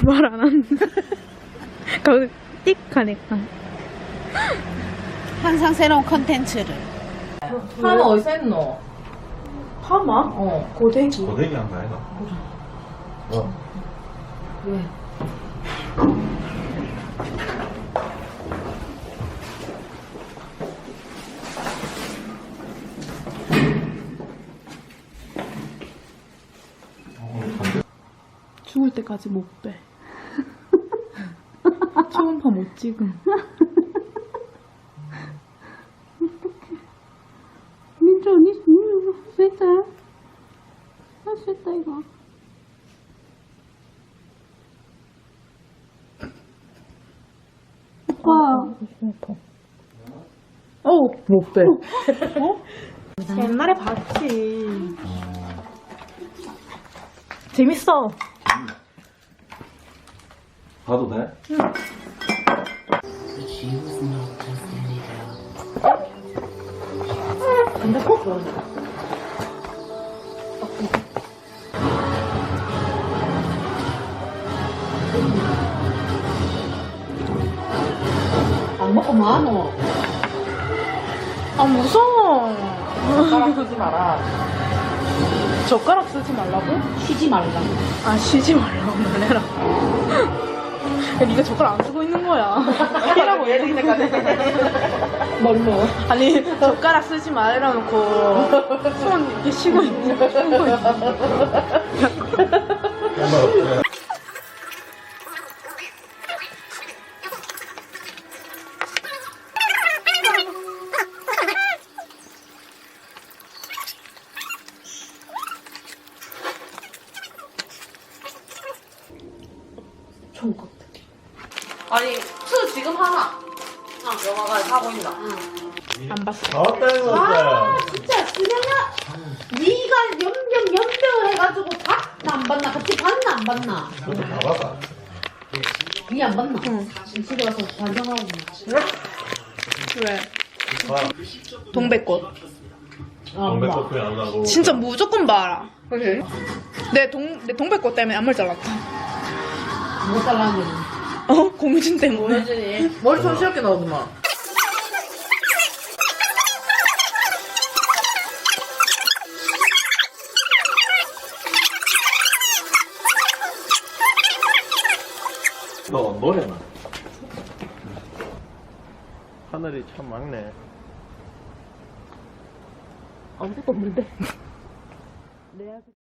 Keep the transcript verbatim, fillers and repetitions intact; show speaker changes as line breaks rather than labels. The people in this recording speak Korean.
말 안 하는데. 가고 띡 가니까.
항상 새로운 컨텐츠를.
파마 어디서 했노?
파마?
어.
고데기.
고데기 한 거 아이가? 어.
왜?
죽을 때까지 못 빼. 초음파 못 찍음.
민주 언니, 할 수 있다. 할 수 있다, 이거. 오빠.
어,
못 빼.
옛날에 봤지. 재밌어.
봐도 돼?
근데 꼭 그러네. 안 먹고 뭐하노?
아, 무서워.
젓가락 쓰지 마라.
젓가락 쓰지 말라고?
쉬지 말라.
아, 쉬지 말라고 놀래라. 야, 니가 젓가락 안 쓰고 있는 거야.
이라고 얘 생각하네. 뭘로?
아니, 젓가락 쓰지 말라 놓고 손 이렇게 쉬고 있는 거 쉬고 있는 거.
좋은 것 같아. 아니, 투 지금 하나. 아, 영화가 하고 있나?
안 봤어.
나왔다 이거
아, 진짜, 수명아. 네가 연병, 연병을 해가지고 봤나 안 봤나? 같이 봤나 안 봤나?
그것도 다 봤다.
니 안 봤나? 응. 집에 가서 반성하고 있나?
왜?
봐.
동백꽃.
아,
동백커피 안 나고.
진짜 무조건 봐라.
그래?
내 동, 내 동백꽃 때문에 앞머리 잘랐다.
못 잘랐는데.
어? 고무줄 때문에.
뭐지? 머리 손시럽게 나오더만.
너 노래나. 하늘이 참 막네.
아무것도 없는데.